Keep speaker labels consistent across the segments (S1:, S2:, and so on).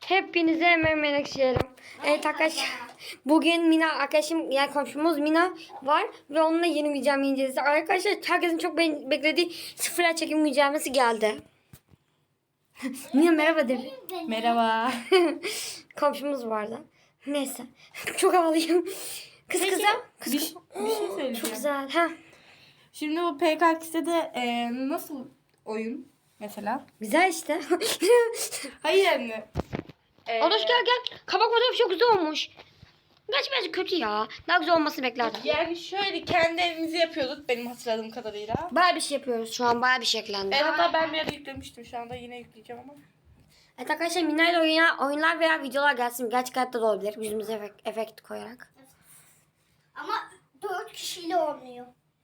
S1: Hepinize menekşelerim. Evet arkadaşlar. Bugün Mina arkadaşım yani komşumuz Mina var ve onunla yeni mücadele inceleyeceğiz. Arkadaşlar herkesin çok beklediği sıfır çekim mücadelesi geldi. Mina merhaba de.
S2: Merhaba.
S1: Komşumuz vardı. Neyse. Çok havalıyım. Kız
S2: Peki,
S1: kıza. Kız
S2: bir şey söyleyeceğim.
S1: Çok güzel. Ha.
S2: Şimdi bu PKX'de nasıl oyun mesela?
S1: Güzel işte.
S2: Hayır anne.
S1: Adaş gel. Kabak fotoğrafı çok güzel olmuş. Gerçi bence kötü ya. Daha güzel olmasını beklerdim.
S2: Yani şöyle kendi evimizi yapıyorduk benim hatırladığım kadarıyla.
S1: Bayağı bir şey yapıyoruz şu an. Bayağı bir şey eklendi.
S2: Hatta ben bir ara yüklemiştim, şu anda yine yükleyeceğim ama.
S1: Evet arkadaşlar Mina ile oyunlar veya videolar gelsin. Gerçek hayatta da olabilir. Yüzümüze efekt koyarak.
S3: Ama 4 kişiyle olmuyor.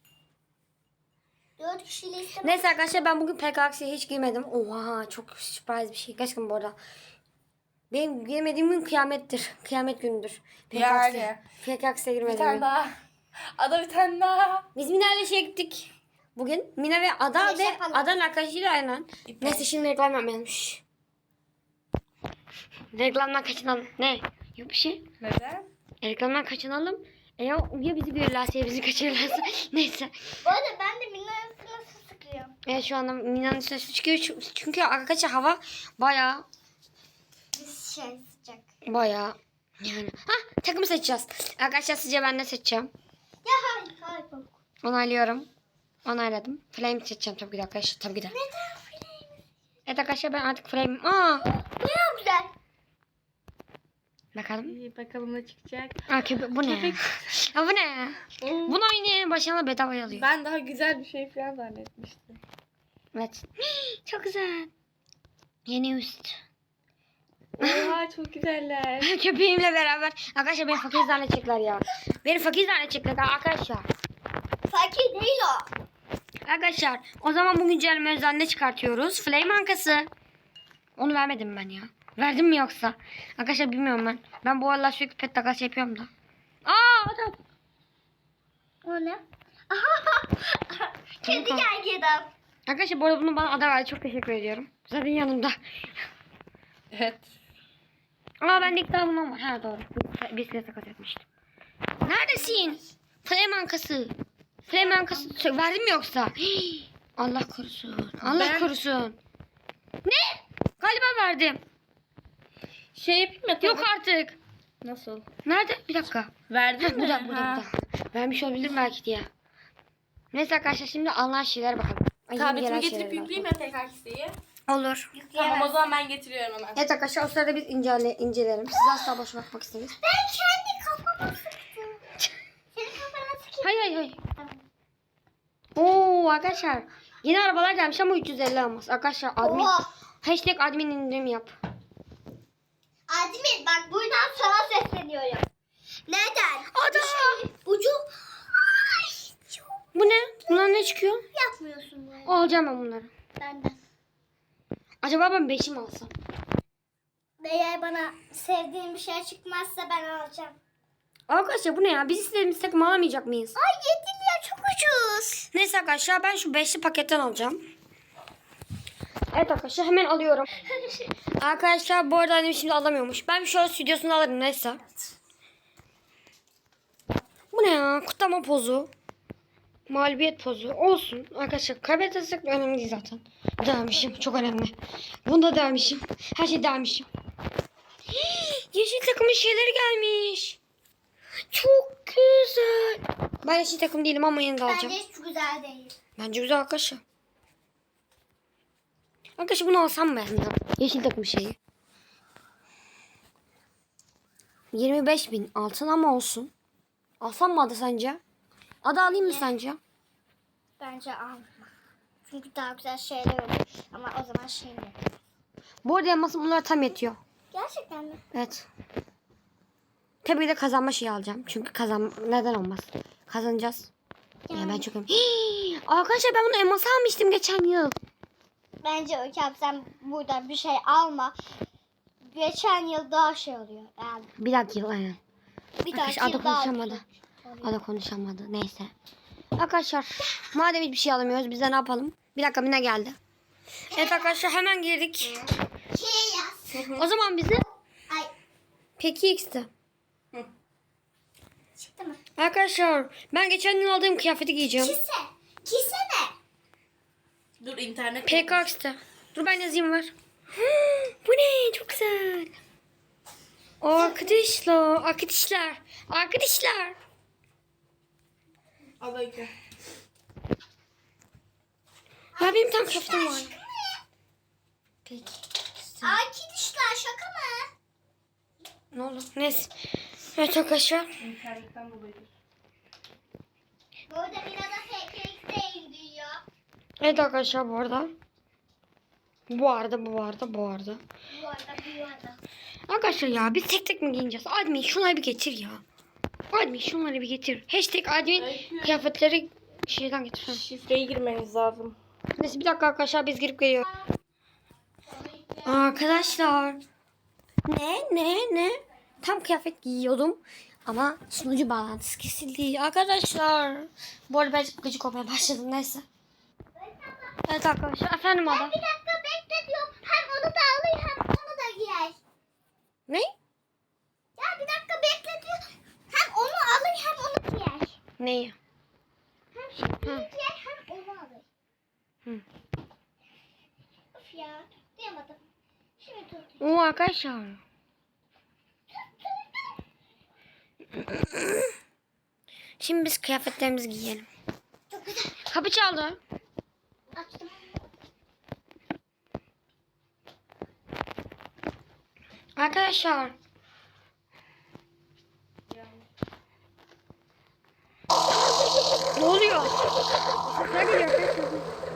S3: 4 kişiyle istemem.
S1: Neyse arkadaşlar ben bugün PKX'ye hiç girmedim. Oha çok sürpriz bir şey. Gerçekten bu arada. Benim girmediğim gün kıyamettir. Kıyamet günüdür.
S2: Yani.
S1: PKX'e
S2: Bir
S1: girmedim.
S2: tane daha. Ada bir tane daha.
S1: Biz Mina ile şeye gittik. Bugün Mina ve Ada
S3: Güneş
S1: ve
S3: yapalım.
S1: Ada'nın arkadaşıyla aynen. Neyse şimdi reklam yapmayalımmış. Reklamdan kaçınalım. Ne? Yok bir şey.
S2: Neden?
S1: Reklamdan kaçınalım. Ya bizi görürlerse ya bizi kaçırırlarsa. Neyse.
S3: Bu arada ben de Mina'nın nasıl sıkıyorum.
S1: Evet şu anda Mina'nın üstüne su çıkıyor. Çünkü arkadaşlar hava bayağı
S3: Sıcak.
S1: yani. Takımı seçeceğiz. Arkadaşlar sizce ben ne seçeceğim?
S3: Ya hayır.
S1: Onaylıyorum. Onayladım. Flame seçeceğim tabii ki de arkadaşlar. Tabii ki de.
S3: Neden flame?
S1: Evet arkadaşlar ben artık flame.
S3: Bu ne güzel.
S1: Bakalım.
S2: İyi bakalım ne çıkacak.
S1: Bu ne?
S2: Köpek.
S1: Ya bu ne? Bunu oynayın başına bedavaya alıyor.
S2: Ben daha güzel bir şey falan zannetmiştim.
S1: Evet. Çok güzel. Yeni üst.
S2: Oha çok güzeller.
S1: Köpeğimle beraber. Arkadaşlar beni fakir zannedecekler ya. Beni fakir zannedecekler arkadaşlar.
S3: Fakir değil o.
S1: Arkadaşlar o zaman bu güncelleme özel ne çıkartıyoruz? Flame ankası. Onu vermedim ben ya. Verdim mi yoksa? Arkadaşlar bilmiyorum ben. Ben bu aralar sürekli pet takas yapıyorum da. Adam.
S3: O ne? Kedi gergedan.
S1: Arkadaşlar bu arada bunu bana Ada verdi. Çok teşekkür ediyorum. Zaten yanımda.
S2: Evet.
S1: Ben de ilk daha bundan var. Ha doğru. Bisiklet takas etmiştim. Neredesin? Flame ankası. Flame ankası. Verdim mi yoksa? Hii. Allah korusun. Allah korusun. Ne? Galiba verdim.
S2: Şey yapayım mı?
S1: Yok artık.
S2: Nasıl?
S1: Nerede? Bir dakika.
S2: Verdin mi?
S1: Burada. Vermiş olabilir belki diye. Neyse arkadaşlar şimdi alınan şeylere bakalım. Ay, yeni
S2: Tabletimi
S1: gelen
S2: getirip
S1: şeylere
S2: yükleyeyim
S1: bakalım.
S2: mi PKX'yi?
S1: Olur.
S2: Tamam o zaman ben getiriyorum hemen.
S1: Evet arkadaşlar o sırada biz incelerim. Siz asla boş bakmak isteriz.
S3: Ben kendi kafama sıktım. Senin kafana sıkayım.
S1: Hayır. Oo arkadaşlar. Yeni arabalar gelmiş ama 350 almaz. Arkadaşlar admin.
S3: Oha.
S1: Hashtag admin indirim yap.
S3: Admin bak buradan sana sesleniyorum. Neden?
S1: Ada.
S3: Ucu. Ay, çok
S1: Bu ne? Bunlar ne çıkıyor?
S3: yapmıyorsun böyle.
S1: Alacağım ben bunları.
S3: Benden.
S1: Acaba ben 5'i mi alsam?
S3: Eğer bana sevdiğim bir şey çıkmazsa ben alacağım.
S1: Arkadaşlar bu ne ya? Biz istediğimiz takım alamayacak mıyız?
S3: Ay 7 lira çok ucuz.
S1: Neyse arkadaşlar ben şu 5'li paketten alacağım. Evet arkadaşlar hemen alıyorum. Arkadaşlar bu arada annem şimdi alamıyormuş. Ben bir şöyle stüdyosunu alırım neyse. Bu ne ya? Kutlama pozu. Mağlubiyet pozu. Olsun. Arkadaşlar kaybedersek önemli değil zaten. Dermişim. Çok önemli. Bunda dermişim. Her şey dermişim. Yeşil takımın şeyleri gelmiş. Çok güzel. Ben yeşil takım değilim ama yine de alacağım.
S3: Bence hiç güzel değil.
S1: Bence güzel arkadaşlar. Arkadaşlar bunu alsam mı ben ya? Yeşil takım şeyi. 25.000 altın ama olsun. Alsam mı Ada sence? Ada alayım mı sence?
S3: Bence alma. Çünkü daha güzel şeyler olur. Ama o zaman şey mi?
S1: Bu arada elmasım bunlar tam yetiyor.
S3: Gerçekten mi?
S1: Evet. Tabii ki de kazanma şeyi alacağım. Çünkü neden olmaz? Kazanacağız. Ya ben çok arkadaşlar ben bunu elması almıştım geçen yıl.
S3: Bence Öykü abi sen burada bir şey alma. Geçen yıl daha şey oluyor. Yani
S1: Bir dahaki yıl aynen.
S3: bir
S1: Arkadaşlar
S3: dahaki
S1: Ada
S3: yıl daha
S1: konuşamadı.
S3: güzel.
S1: Ada konuşamadı. Neyse. Arkadaşlar madem hiçbir şey alamıyoruz biz de ne yapalım? Bir dakika Mina geldi. Evet arkadaşlar hemen girdik.
S3: Şey yaz.
S1: O zaman bizi Peki X'te.
S3: Çıktı mı?
S1: Arkadaşlar ben geçen yıl aldığım kıyafeti giyeceğim.
S3: Kise ne?
S2: Dur internet.
S1: PKX'te. Dur ben yazayım var. Bu ne? Çok güzel. Arkadaşlar.
S2: Al Öykü.
S1: Ya benim tam kıyafetim var. Peki.
S3: Arkadaşlar şaka mı?
S1: Ne oldu? Neyse. Evet arkadaşlar.
S2: İnternetten dolayıdır.
S3: Bu arada Mila'da PKX'de indiriyor.
S1: Evet arkadaşlar bu arada. Bu arada.
S3: Bu arada.
S1: Arkadaşlar ya biz tek tek mi giyineceğiz? Admin şunları bir getir ya. Admin şunları bir getir. Hashtag admin kıyafetleri şeyden getir.
S2: Şifreyi girmeniz lazım.
S1: Neyse bir dakika arkadaşlar biz girip geliyoruz. Arkadaşlar. Ne? Tam kıyafet giyiyordum. Ama sunucu bağlantısı kesildi. Arkadaşlar. Bu arada ben gıcık olmaya başladım neyse. Evet arkadaşlar. Efendim ada.
S3: Bir dakika bekle diyorum. Hem onu da alır hem onu da giyer.
S1: Ne?
S3: Ya bir dakika bekle diyor. Hem onu alır hem onu giyer.
S1: Neyi?
S3: Hem şunu giyer hem onu alır.
S1: Hı.
S3: Of ya. Duyamadım. Şimdi tut.
S1: Oo arkadaşlar. Şimdi biz kıyafetlerimizi giyelim.
S3: Çok güzel.
S1: Kapı çaldı.
S3: Açtım.
S1: Arkadaşlar. Ne oluyor? Sesler geliyor arkadaşlar.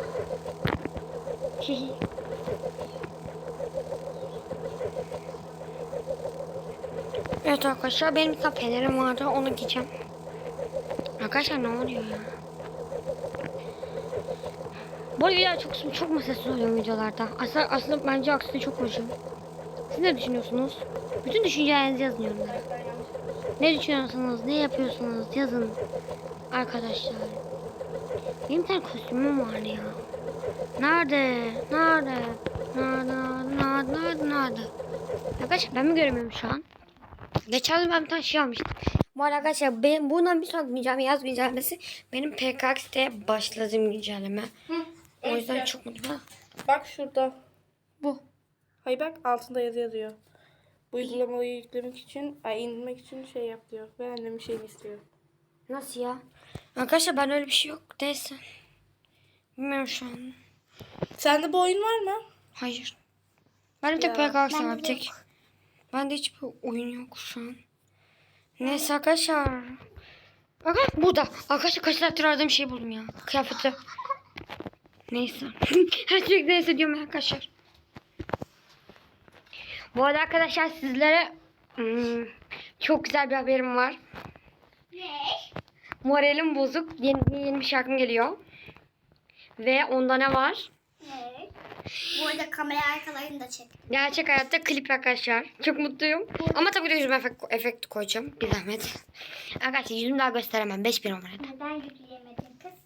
S1: Evet arkadaşlar benim bir tane fenerim vardı onu giyeceğim. Arkadaşlar ne oluyor ya? Bu arada videolar çok mu sessiz oluyor videolarda? Aslında bence aksine çok hoşum. Siz ne düşünüyorsunuz? Bütün düşüncelerinizi yazın yorumlara. Ne düşünüyorsunuz? Ne yapıyorsunuz? Yazın. Arkadaşlar. Benim bir tane kostümüm vardı ya. Nerede? Arkadaşlar ben mi göremiyorum şu an? Geçen yıl ben bir tane şey almıştım. Bu arada arkadaşlar bundan bir sonraki güncelleme yaz güncellemesi benim PKX'te başladığım güncelleme. O yüzden
S2: Öykü.
S1: çok mutluyum.
S2: Bak şurada.
S1: Bu.
S2: Hayır bak altında yazı yazıyor. Bu uygulamayı yüklemek için, indirmek için şey yap diyor. Ve annemin şeyini istiyor.
S1: Nasıl ya? Arkadaşlar ben öyle bir şey yok. Neyse. Bilmiyorum şu an.
S2: Sende bu oyun var mı?
S1: Hayır. Benim tek
S2: Ya,
S1: PKX var bir tek. Bende hiçbir oyun yok şu an. Neyse arkadaşlar. Bakın burada. Arkadaşlar kaç saattir aradığım şeyi buldum ya. Kıyafeti. Neyse. Her sürekli neyse diyorum arkadaşlar. Bu arada arkadaşlar sizlere çok güzel bir haberim var.
S3: Ne?
S1: Moralim bozuk. Yeni bir şarkım geliyor. Ve onda ne var?
S3: Ne? Bu arada kamera arkalarını da çek.
S1: Gerçek hayatta klip arkadaşlar. Çok mutluyum. Ama tabii ki de yüzüme efekt koyacağım. Bir zahmet. Arkadaşlar yüzümü daha gösteremem. 5000 numarada.
S3: Neden yükleyemedin kız?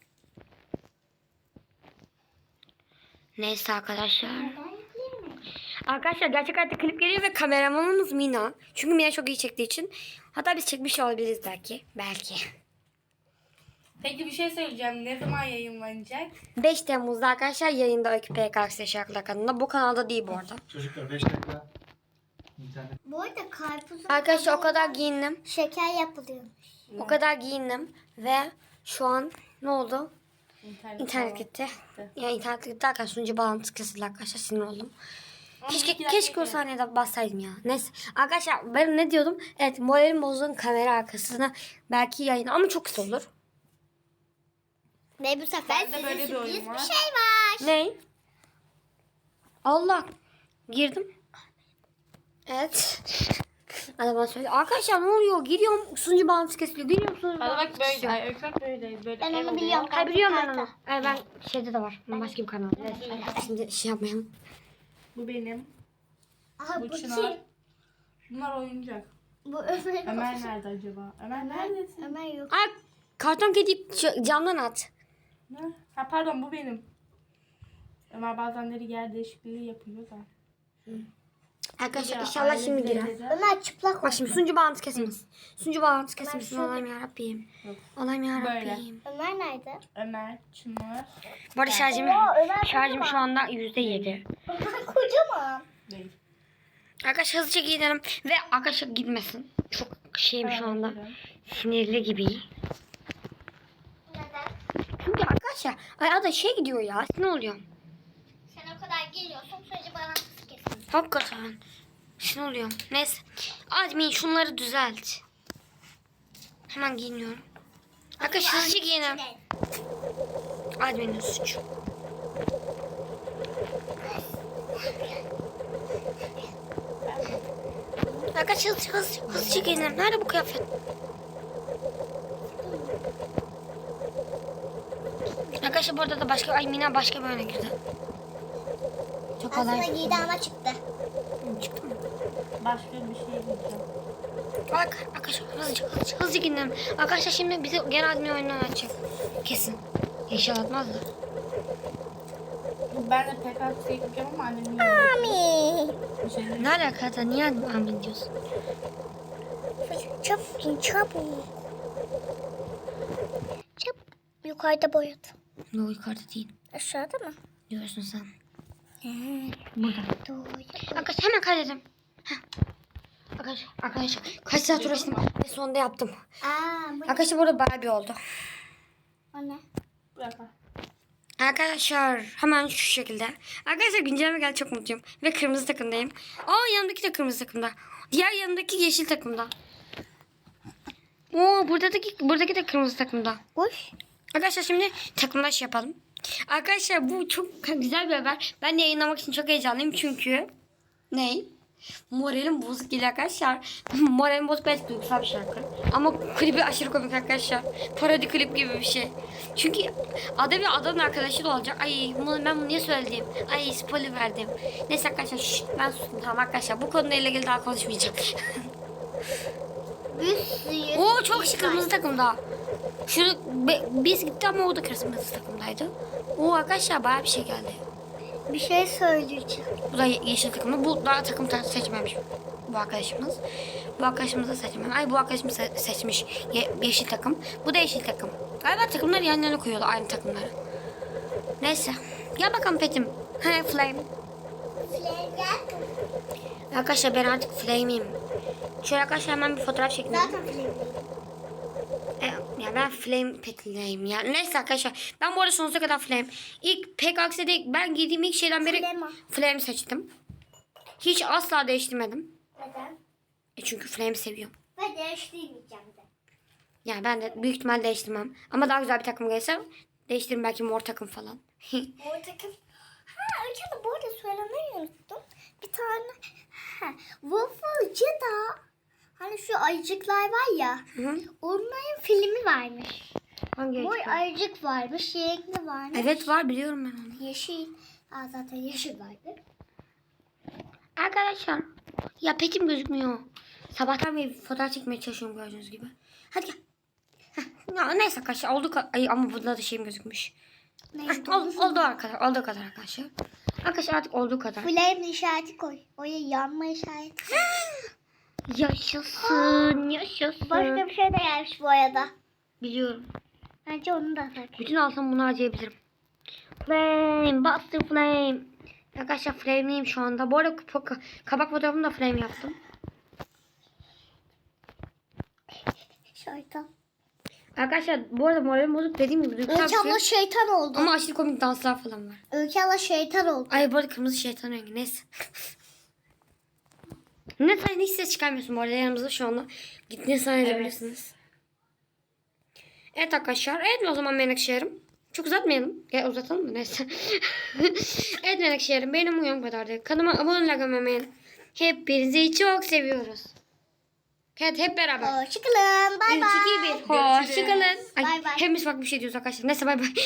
S1: Neyse arkadaşlar.
S3: Neden yükleyemedin?
S1: Arkadaşlar gerçek hayatta klip geliyor ve kameramanımız Mina. Çünkü Mina çok iyi çektiği için. Hatta biz çekmiş olabiliriz belki. Belki.
S2: Peki bir şey söyleyeceğim. Ne zaman yayınlanacak?
S1: 5 Temmuz'da arkadaşlar yayında Öykü PKX Şarkılar kanalında. Bu kanalda değil bu arada.
S4: Çocuklar 5 dakika internet.
S3: Bu arada karpuzun
S1: Arkadaşlar o kadar giyindim.
S3: şeker yapılıyormuş.
S1: O kadar giyindim. Ve şu an ne oldu? İnternet gitti. Yani internet gitti derken sunucu bağlantısı kesildi arkadaşlar. Sinir oldum. Keşke o saniyede bassaydım ya. Neyse. Arkadaşlar ben ne diyordum? Evet moralim bozduğum kamera arkasına belki yayın ama çok kısa olur.
S3: Ve bu sefer
S2: Bende böyle bir oyun var.
S3: şey var.
S1: Ne? Allah. Girdim. Evet. Adama söyle. Arkadaşlar ne oluyor? Giriyorum sunucu bağlantısı kesiliyor. Giriyorum sunucu
S2: Hadi
S1: bağlantısı
S2: bak böyle.
S1: kesiliyor.
S2: Ay ekran böyle. Böyle
S3: Ben
S2: ev
S3: onu
S2: oluyor.
S3: biliyorum.
S1: Hayır biliyorum ben onu. Ben şeyde de var. Başka bir kanalda. Neyse. Şimdi şey yapmayalım.
S2: Bu benim.
S3: Aha,
S2: Bu
S3: bu
S2: Çınar.
S3: kim?
S2: Bunlar oyuncak.
S3: Bu Ömer.
S2: Ömer nerede acaba? Ömer neredesin?
S3: Ömer yok.
S1: Ay karton kedi camdan at.
S2: Ne? Ha pardon bu benim. Ömer bazenleri yer değişikliği yapıyor da.
S1: Arkadaşlar inşallah şimdi girer.
S3: Ömer çıplak
S1: Bak şimdi sunucu bağlantısı kesilmesin. Sunucu bağlantısı kesilmesin.
S3: şöyle-
S1: Allah'ım yarabbim. Allah'ım yarabbim.
S3: Ömer nerede?
S2: Ömer, Çınar.
S1: Bu arada şarjım
S3: Ömer
S1: şu anda %7.
S3: Ömer kocaman.
S2: Değil.
S1: Arkadaşlar hızlıca giyinelim ve arkadaşlar gitmesin. Çok şeyim şu anda. Sinirli gibi.
S3: Neden?
S1: Çünkü arkadaşlar arada şey gidiyor ya. Ne oluyor?
S3: Sen o kadar geliyorsun sürece bağlantısı kesin.
S1: Hakikaten. Ne oluyor? Neyse. Admin şunları düzelt. Hemen giyiniyorum. Arkadaşlar hızlıca giyinelim. Admin'in suçu. Arkadaşlar hızlıca giyinelim. Nerede bu kıyafet? Arkadaşlar burada da başka Mina başka bir oyuna girdi. Çok
S3: Aslında
S1: kolay.
S3: giydi ama çıktı.
S1: Çıktı mı?
S2: Başka bir şey diyeceğim.
S1: Bak arkadaşlar hızlıca gidelim. Arkadaşlar şimdi bizi gene admin oyundan açacak. Kesin. İnşallah atmaz da.
S2: Ben de PKK yapacağım ama annemin yanında.
S3: Mami.
S2: Bir şey değil.
S1: Ne alaka da niye admin diyorsun?
S3: Çabuk çabuk. Çabuk. Yukarıda boyadı.
S1: Ne o yukarıda değil.
S3: Aşağıda mı?
S1: Diyorsun sen. Burada.
S3: Doğru.
S1: Arkadaşlar hemen kaydedim. Heh. Arkadaşlar kaç saat uğraştım ve sonunda yaptım.
S3: Bu
S1: Arkadaşlar burada Barbie oldu.
S3: o ne?
S2: Bırak.
S1: Arkadaşlar hemen şu şekilde. Arkadaşlar güncelleme geldi çok mutluyum. Ve kırmızı takımdayım. Yanımdaki de kırmızı takımda. Diğer yanımdaki yeşil takımda. Buradaki de kırmızı takımda.
S3: Boş.
S1: Arkadaşlar şimdi takımlaş yapalım. Arkadaşlar bu çok güzel bir haber. Ben de yayınlamak için çok heyecanlıyım çünkü moralim bozuk değil arkadaşlar. Moralim bozuk belki duygusal bir şarkı. Ama klibi aşırı komik arkadaşlar. Parodi klip gibi bir şey. Çünkü ada bir adamın arkadaşı da olacak. Ay ben bunu niye söyledim? Ay spoiler verdim. Neyse arkadaşlar ben sustum tamam arkadaşlar. Bu konuyla ilgili daha konuşmayacağım.
S3: Bir sürü.
S1: Oo çok şık kırmızı takımda. Biz gitti ama o da kırmızı takımdaydı. Oo arkadaşlar bayağı bir şey geldi.
S3: Bir şey söyleyeceğim.
S1: Bu da yeşil takımda. Bu daha takım seçmemiş bu arkadaşımız. Bu arkadaşımız da seçmemiş. Ay bu arkadaşımız seçmiş yeşil takım. Bu da yeşil takım. Galiba takımları yan yana koyuyorlar aynı takımları. Neyse. Gel bakalım Petim. He Flame. Arkadaşlar ben artık Flame'iyim. Şöyle arkadaşlar hemen bir fotoğraf çekelim.
S3: Zaten film.
S1: Ya ben Flame Pet'leyim ya. Neyse arkadaşlar. Ben bu arada sonsuza kadar Flame. İlk pek aksede ben giydiğim ilk şeyden beri Flame seçtim. Hiç asla değiştirmedim.
S3: Neden?
S1: Çünkü Flame seviyorum.
S3: Ve değiştirmeyeceğim de.
S1: Yani ben de büyük ihtimal değiştirmem. Ama daha güzel bir takım gelse değiştiririm belki mor takım falan.
S3: Mor takım. Öykü bu arada söylemeyi unuttum. Bir tane Waffle'cıda hani şu ayıcıklar var ya.
S1: Hı.
S3: Onların filmi varmış.
S1: Hangi
S3: Mor
S1: ekip?
S3: ayıcık varmış, renkli varmış.
S1: Evet var biliyorum ben onu.
S3: Yeşil. Zaten yeşil vardı.
S1: Arkadaşlar ya petim gözükmüyor. Sabahtan beri fotoğraf çekmeye çalışıyorum gördüğünüz gibi. Hadi gel. Ya neyse arkadaşlar ay, ama burada da şeyim gözükmüş. Olduğu kadar arkadaşlar. Arkadaşlar artık olduğu kadar.
S3: Flame işareti koy. Oraya yanma işareti koy.
S1: Yaşasın.
S3: Başka bir şey de gelmiş bu arada.
S1: Biliyorum.
S3: Bence onu da tak.
S1: Bütün alsam bunu harcayabilirim. Flame, Buster Flame. Arkadaşlar Flame'liyim şu anda. Bu arada kabak fotoğrafımı da Flame yaptım.
S3: Şeytan.
S1: Arkadaşlar bu arada moralim bozuk dediğim gibi duygusal
S3: Öykü
S1: bir
S3: abla
S1: şey.
S3: şeytan oldu.
S1: Ama aşırı komik danslar falan var.
S3: Öykü abla şeytan oldu.
S1: Ay bu arada kırmızı şeytan rengi neyse. Ne sen hiç ses çıkarmıyorsun bu arada yanımızda şu anda. Gittiğini zannedebilirsiniz. Evet arkadaşlar. Evet o zaman Menekşehir'im. Çok uzatmayalım. Ya uzatalım mı neyse. Evet Menekşehir'im benim uyum kadardı. Kanalıma abone olmayı hepinizi çok seviyoruz. Evet hep beraber.
S3: Hoşçakalın. Bay
S1: 3,
S3: bay.
S1: 2, 1. Hoşçakalın.
S3: Bay bay.
S1: Hepimiz farklı bir şey diyoruz arkadaşlar. Neyse bay bay.